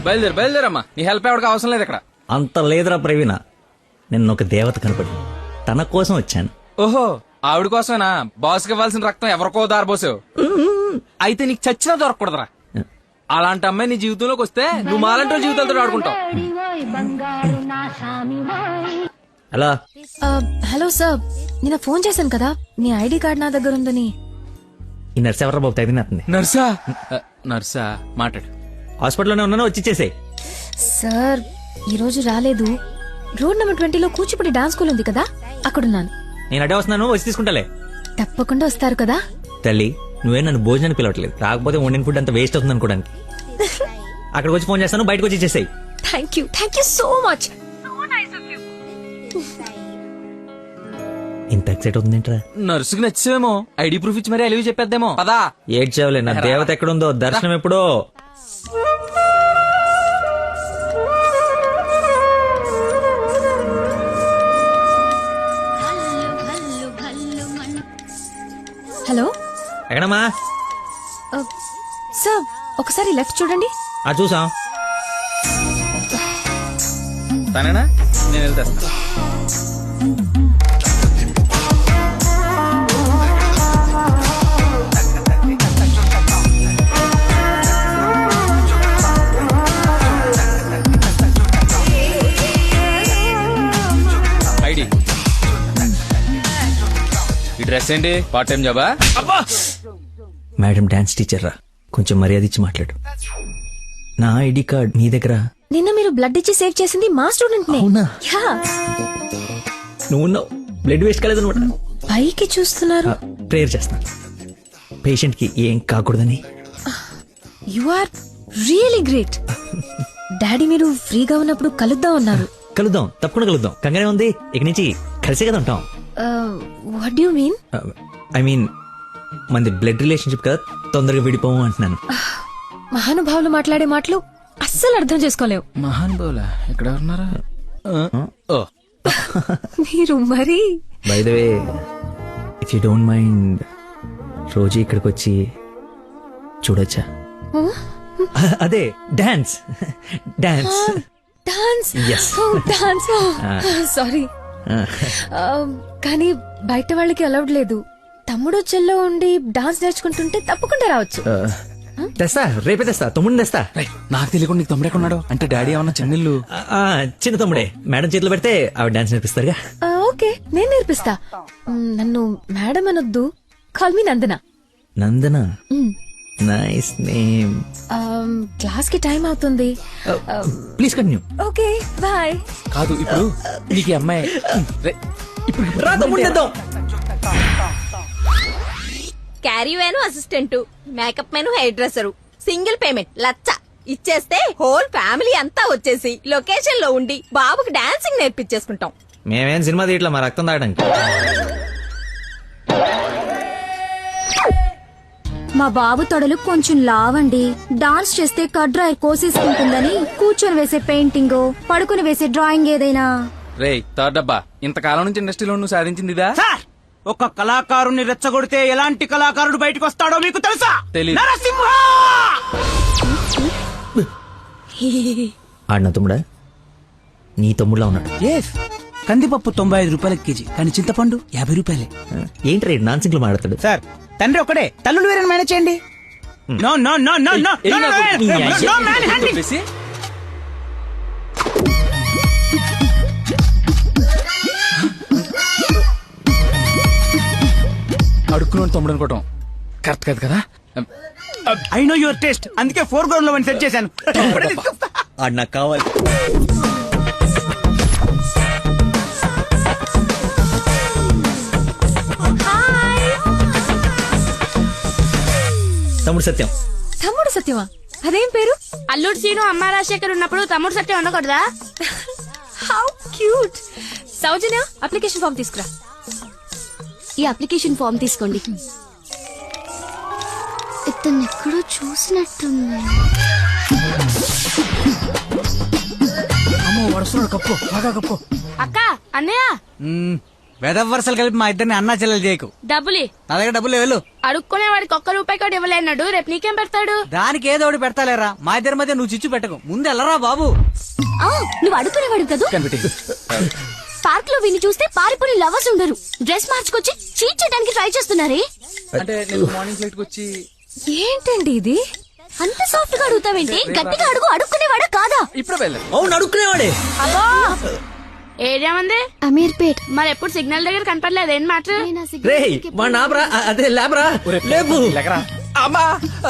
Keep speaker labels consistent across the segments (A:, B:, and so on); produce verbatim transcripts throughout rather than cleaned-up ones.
A: బయలుదేరు బయలుదేరమ్మా, నీ హెల్ప్ ఎవరికి అవసరం లేదు ఇక్కడ.
B: అంత లేదురా ప్రవీణ, నిన్న ఒక దేవత కనపడి తన కోసం వచ్చాను.
A: ఓహో, ఆవిడ కోసమేనా బాస్కి ఇవ్వాల్సిన రక్తం ఎవరికో దారబోసావు? అయితే నీకు చచ్చినా దొరకకూడదురా. అలాంటి అమ్మాయి నీ జీవితంలోకి వస్తే నువ్వు మాలంటి జీవితాలతో ఆడుకుంటావు.
B: అలా
C: హలో సార్, నిన్న ఫోన్ చేశాను కదా, నీ ఐడి కార్డ్ నా దగ్గర ఉందని.
B: ఈ నర్స్ ఎవరా బాబు తగ్గినట్టుంది.
A: నర్సా? ఆ, నర్సా మాట్లాడు.
B: హాస్పిటల్లోనే ఉన్నాను, వచ్చి ఇచ్చేసేయ్.
C: సార్ ఈ రోజు రాలేదు. రోడ్ నెంబర్ ట్వంటీలో కూచిపూడి డాన్స్ స్కూల్ ఉంది కదా, అక్కడున్నాను.
B: నేను అడే వస్తున్నాను, వచ్చి తీసుకుంటాలే.
C: తప్పకుండా వస్తారు కదా.
B: తల్లి, నువ్వే నన్ను భోజనానికి పిలవట్లేదు, రాకపోతే వండిన ఫుడ్ అంత వేస్ట్ అవుతుంది అనుకోడానికి. అక్కడికి వచ్చి ఫోన్ చేస్తాను, బయటకు వచ్చి ఇచ్చేసేయ్.
C: Thank you thank you so much.
B: ఇంత ఎక్సైట్ అవుతుందేంట్రా?
A: నర్సుకి నచ్చేమో, ఐడి ప్రూఫ్ ఇచ్చి మరీ అలివి చెప్పేద్దేమో. పదా
B: ఏడ్చావులే, నా దేవత ఎక్కడుందో దర్శనం ఎప్పుడో.
C: హలో
B: ఎక్కడమ్మా?
C: సార్ ఒకసారి లెఫ్ట్ చూడండి.
B: ఆ చూసాం.
A: తనేనా? నేను వెళ్తాను. ఐడి ఈ డ్రెస్ ఏంటి? పార్ట్ టైం జాబా?
B: మేడం డాన్స్ టీచర్ రా, కొంచెం మర్యాద ఇచ్చి మాట్లాడు. నా ఐడి కార్డ్ మీ దగ్గర.
C: నిన్న మీరు బ్లడ్ ఇచ్చి సేవ్ చేసింది మా స్టూడెంట్ నే.
B: అవునా?
C: యా.
B: నువ్వు బ్లడ్ వేస్ట్ కాలేదనమాట.
C: పైకి చూస్తున్నారు.
B: ప్రేయర్ చేస్తా, పేషెంట్ కి ఏం కాకూడదని.
C: You are really great. Daddy మీరు ఫ్రీగా ఉన్నప్పుడు కలుద్దాం అన్నారు.
B: కలుద్దాం, తప్పకుండా కలుద్దాం. కంగానే ఉంది, ఇక నుంచి కలిసే కదా ఉంటాం.
C: What you mean?
B: I mean మనది బ్లడ్ రిలేషన్షిప్ కదా, తొందరగా విడిపోము అంటున్నాను.
C: మహానుభావులు మాట్లాడే మాటలు అస్సలు అర్థం చేసుకోలేవు.
A: మహాన్ బౌలా ఎక్కడ ఉన్నారా? ఓ
C: మీరు మరి.
B: By the way, if you don't mind, రోజు ఇక్కడికి వచ్చి చూడొచ్చా? అదే dance dance
C: dance.
B: Yes.
C: Dance. Sorry, కానీ బయట వాళ్ళకి అలౌడ్ లేదు. తమ్ముడు చెల్లో ఉండి డాన్స్ నేర్చుకుంటుంటే తప్పకుండా రావచ్చు.
B: తెస్తా, రేపే తెస్తా, తమ్ముడిని తెస్తా.
A: రేయ్, నాకు తెలియకుండా నీకు తమ్ముడు ఎక్కడున్నాడు? అంటే డాడీ ఏమన్నా చెన్నెళ్ళు?
B: ఆ, చిన్న తమ్ముడే, మేడం చేతిలో పెడితే ఆవిడ డాన్స్ నేర్పిస్తారుగా.
C: ఆ, ఓకే, నేను నేర్పిస్తా. మ్, నన్ను మేడం అనొద్దు, call me Nandana.
B: Nandana, nice name.
C: Class కి టైం అవుతుంది.
B: Please continue.
C: Okay boy.
A: కాదు, ఇప్పుడు నీకు ఈ అమ్మాయి రేయ్, ఇప్పుడు
B: రా తమ్ముడిని తెద్దాం.
D: Caravan assistant, makeup man hairdresser, single payment లచ్చ ఇచ్చేస్తే హోల్ ఫ్యామిలీ అంతా వచ్చేసి లొకేషన్ లో ఉండి బాబుకి డాన్సింగ్ నేర్పించేసుకుంటాం.
B: మేమేం సినిమా తీయట్లా, మా రక్తం తాగడానికి.
E: మా బాబు తొడలు కొంచెం లావండి. డాన్స్ చేస్తే కట్ డ్రైర్ కోసేసుకుంటుందని కూర్చొని వేసే పెయింటింగ్, పడుకుని వేసే డ్రాయింగ్ ఏదైనా.
A: రేయ్ థర్డ్ డబ్బా, ఇంతకాలం నుంచి ఇండస్ట్రీలో నువ్వు సాధించింది ఇదా?
F: సార్, ఒక కళాకారుని రెచ్చగొడితే ఎలాంటి కళాకారుడు బయటకు వస్తాడో మీకు తెలుసా?
A: తెలీదు.
F: నరసింహ!
B: ఆడిన తమ్ముడా? నీ తమ్ముడులా ఉన్నాడు.
F: ఎస్, కందిపప్పు తొంభై ఐదు రూపాయల కేజీ, కానీ చింతపండు యాభై రూపాయలే.
B: ఏంటి రేడు నాన్ సింగ్ లో మాట్లాడతాడు?
F: సార్, తండ్రి ఒకడే, తల్లులు వేరే మేనేజ్ చేయండి. No no no no no no no man handing.
A: అడుక్కున్నాడు తమ్ముడు అనుకోవటం కరెక్ట్ కాదు కదా.
F: ఐ నో యువర్ టేస్ట్, అందుకే ఫోర్ గ్రౌండ్ లో సెట్ చేశాను.
B: ఆడు నాకు కావాలి. తమ్ముడు సత్యం.
C: తమ్ముడు సత్యమా? అదేం పేరు?
G: అల్లుడు సీను అమ్మ రాజశేఖర్ ఉన్నప్పుడు తమ్ముడు సత్యం ఉండకూడదా?
C: How cute. Soujanya, application form తీసుకురా.
E: ఈ అప్లికేషన్ ఫామ్ తీసుకోండి. ఇతను ఎక్కడో చూసినట్టుంది.
F: అమ్మో, వస్తున్నాడు, కప్పు బాగా కప్పు.
G: అక్క, అన్నయ్య.
F: వెదవ వరుసలు కలిపి మా ఇద్దరిని అన్నా చెల్లెలు చేయకు.
G: డబ్బులి
F: నా దగ్గర డబ్బులు వెళ్ళు.
G: అడుక్కునే వాడికి ఒక్క రూపాయి కూడా ఇవ్వలేన్నాడు. రేపు నీకేం పెడతాడు?
F: దానికి ఏదో ఒకటి పెడతాలేరా, మా ఇద్దరి మధ్య నువ్వు చిచ్చు పెట్టకు. ముందు వెళ్ళరా బాబు.
E: ఆ, నువ్వు అడుగునేవాడు కదా. పార్క్ లో విని చూస్తే పారిపోయి లవర్స్ ఉండరు. డ్రెస్ మార్చుకొచ్చి చీట్ చేయడానికి ట్రై చేస్తున్నారే.
A: అంటే నేను మార్నింగ్ ఫ్లైట్ వచ్చి
C: ఏంటండి ఇది?
E: అంత సాఫ్ట్ గా అడుగుతావేంటి? గట్టిగా అడుగు. అడుక్కునేవాడా కాదా?
A: ఇప్పుడు వెళ్ళాను.
B: అవును అడుక్కునేవాడే.
G: అబ్బో ఏరియా మంది
E: అమీర్పేట్.
G: మరి ఎప్పుడు సిగ్నల్ దగ్గర కనపడలేదు. ఏం మాట?
B: రే మా నాబ్రా అదే లేబరా లేబు.
A: అమ్మా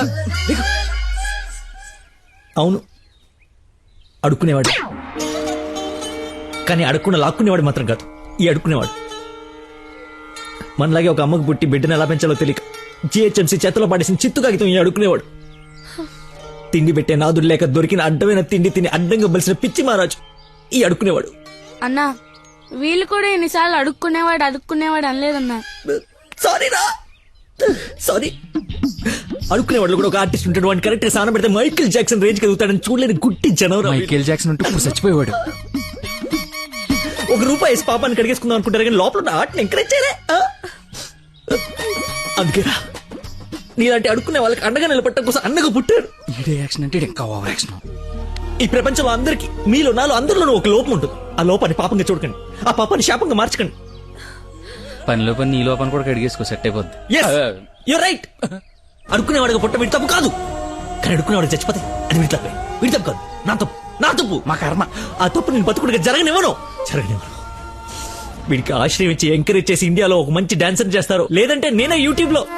B: అవును అడుక్కునేవాడు, కానీ అడుక్కున్న లాక్కునేవాడు మాత్రం కాదు ఈ అడుక్కునేవాడు. మనలాగే ఒక అమ్మకు పుట్టి బిడ్డను ఎలా పెంచాలో తెలియక జిహెచ్ఎంసీ చేతిలో పడేసిన చిత్తు కాగితం ఈ అడుక్కునేవాడు. తిండి పెట్టే నాదుడు లేక దొరికిన అడ్డమైన తిండి తిని అడ్డంగా బలిసిన పిచ్చి మహారాజు ఈ అడుక్కునేవాడు.
G: అన్నా వీళ్ళు కూడా ఎన్నిసార్లు అడుక్కునేవాడు అడుక్కునేవాడు అనలేదన్నా.
B: సారీ రా సారీ. అడుక్కునేవాడు కూడా ఒక ఆర్టిస్ట్ ఉంటాడు. వాడిని కరెక్ట్ గా సాన పెడితే మైకేల్ జాక్సన్ రేంజ్ కలుగుతాడని చూడలేని గుట్టి జనవరం.
A: మైకేల్ జాక్సన్ ఉంటూ ఇప్పుడు చచ్చిపోయేవాడు.
B: ఒక రూపాయి వేసి పాపాన్ని కడిగేసుకుందాం అనుకుంటారు కానీ లోపల ఉన్న ఆటని ఎంకరేజ్ చేయలే. అందుకేరా నీలాంటి అడుక్కునే వాళ్ళకి అండగా నిలబట్టడం కోసం అండగా పుట్టారు.
A: ఈడే యాక్షన్ అంటే ఇంకా ఓవర్ యాక్షన్.
B: ఈ ప్రపంచంలో అందరికి మీలో నాలో అందరిలోనూ ఒక లోపం ఉంటుంది. ఆ లోపాన్ని పాపంగా చూడకండి, ఆ పాపాన్ని శాపంగా మార్చకండి.
A: పనిలో పని నీ లోపల కూడా కడిగేసుకో, సెట్ అయిపోద్ది.
B: You right. అడుక్కునేవాడిగా పుట్ట వీడి తప్పు కాదు, కానీ అడుక్కునేవాడికి చచ్చిపోతే అది వీడి తప్పే. వీడి తప్పు కాదు, నా తప్పు, నా తప్పు, మా కర్మ. ఆ తప్పు నేను బతుకుడిగా జరగనివ్వను జరగనివ్వను. వీడికి ఆశ్రయం ఇచ్చి ఎంకరేజ్ చేసి ఇండియాలో ఒక మంచి డాన్సర్ చేస్తారు, లేదంటే నేనే యూట్యూబ్ లో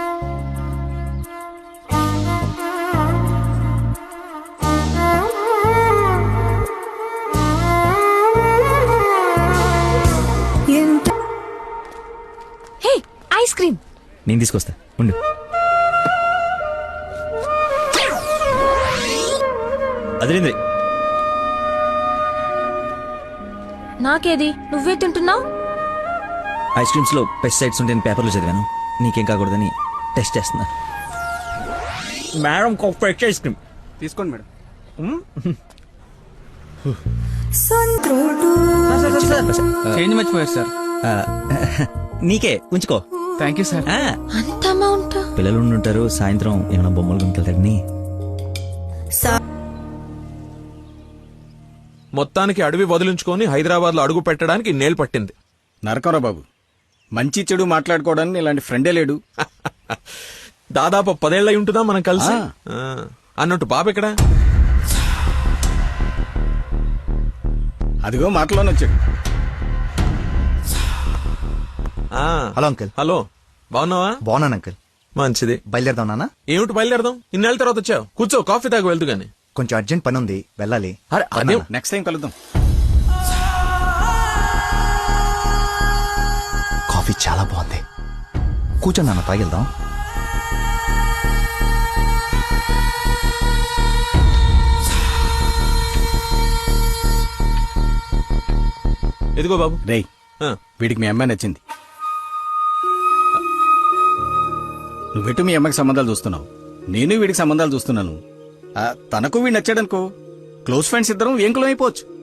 C: హే ఐస్ క్రీమ్.
B: నేను తీసుకొస్తా ఉండు. అదేంద్రి
C: నాకేది? నువ్వే తింటున్నావు.
B: ఐస్ క్రీమ్స్ లో పెస్టిసైడ్స్ ఉంటాయని పేపర్లో చదివాను, నీకేం కాకూడదని టెస్ట్ చేస్తున్నా. మేడం ఫ్రెష్ ఐస్ క్రీమ్
F: తీసుకోండి మేడం. చేంజ్ మర్చిపోయారు సార్.
B: నీకే ఉంచుకో.
F: Thank you sir.
B: ఆ,
C: అంత అమౌంట్?
B: పిల్లలు ఉంటారు, సాయంత్రం ఏమైనా బొమ్మలు కొనుకెళ్తాడని.
H: మొత్తానికి అడవి వదిలించుకొని హైదరాబాద్ లో అడుగు పెట్టడానికి నేలు పట్టింది.
I: నరకరా బాబు, మంచి చెడు మాట్లాడుకోవడానికి ఇలాంటి ఫ్రెండే లేడు.
H: దాదాపు పదేళ్ళై ఉంటుందా మనం కలిసి.
I: ఆ.
H: ఆ, అన్నట్టు బాబు ఎక్కడా?
I: అదిగో మాటలోనే వచ్చాడు.
H: ఆ,
J: హలో అంకుల్.
H: హలో, బాగున్నావా?
J: బాగున్నాను అంకుల్.
H: మంచిది.
J: బయలుదేరదాం నాన్న.
H: ఏమిటి బయలుదేరదాం? ఇన్నేళ్ళ తర్వాత వచ్చావు, కూర్చో, కాఫీ తాగు వెళ్తూ గాని.
J: కొంచెం అర్జెంట్ పని ఉంది, వెళ్ళాలి.
H: అరే అదే
I: నెక్స్ట్ టైం కలుద్దాం.
J: కాఫీ చాలా బాగుంది, కూర్చొని నాన్న తాగిద్దాం.
H: ఎదిగో బాబు.
I: రేయ్,
H: ఆ,
I: వీడికి మీ అమ్మాయి నచ్చింది. నువ్వెటు మీ అమ్మకి సంబంధాలు చూస్తున్నావు, నేను వీడికి సంబంధాలు చూస్తున్నాను. ఆ, తనకు వీడు నచ్చాడనుకో, క్లోజ్ ఫ్రెండ్స్ ఇద్దరం ఏంకులం అయిపోవచ్చు.